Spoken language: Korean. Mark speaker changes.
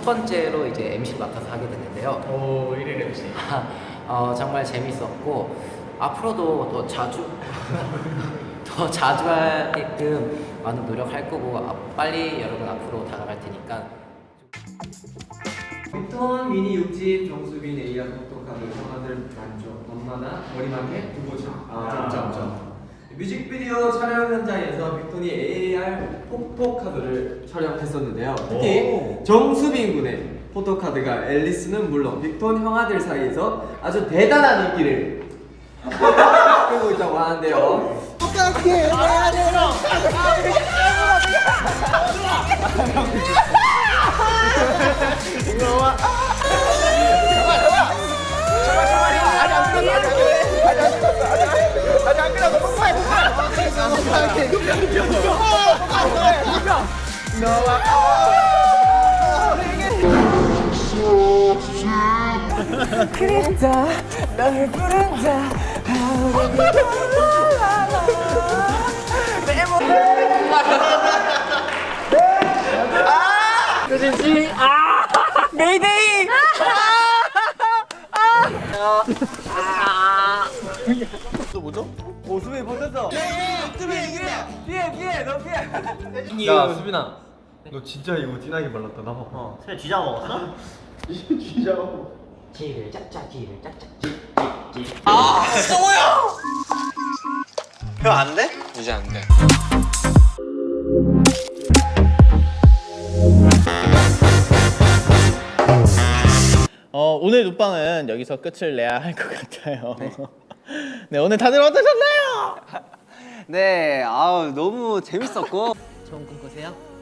Speaker 1: 번째로 이제 MC를 맡아서 하게 됐는데요.
Speaker 2: 오, 1일 MC.
Speaker 1: 정말 재밌었고 앞으로도 더 자주 더 자주 하게끔 많은 노력할 거고 빨리 여러분 앞으로 다가갈 테니까.
Speaker 3: 빅톤 미니 6집 정수빈 A야 포토카드 성화들 만족 엄마나 머리맡에 두고 자. 점점점. 뮤직비디오 촬영 현장에서 빅톤이 AR 포토카드를 촬영했었는데요. 특히 정수빈 군의 포토카드가 앨리스는 물론 빅톤 형아들 사이에서 아주 대단한 인기를 끌고 있다고 하는데요.
Speaker 4: 그립다 너를 부른다 그렇지. 메이데이.
Speaker 5: 또 뭐죠?
Speaker 4: 오 수빈이 버텼어. 수빈이 피해 너 피해.
Speaker 3: 야 수빈아.
Speaker 5: 너 진짜 이거 진하게 발랐다. 나 봐봐.
Speaker 2: 새 쥐자 먹었어?
Speaker 5: 진짜 먹어.
Speaker 1: 지를 짝짝 지를 짝짝
Speaker 2: 형 안 돼?
Speaker 6: 이제 안 돼.
Speaker 2: 오늘 눕방은 여기서 끝을 내야 할 것 같아요. 네, 오늘 다들 어떠셨나요?
Speaker 4: 네, 아우 너무 재밌었고
Speaker 1: 좋은 꿈 꾸세요.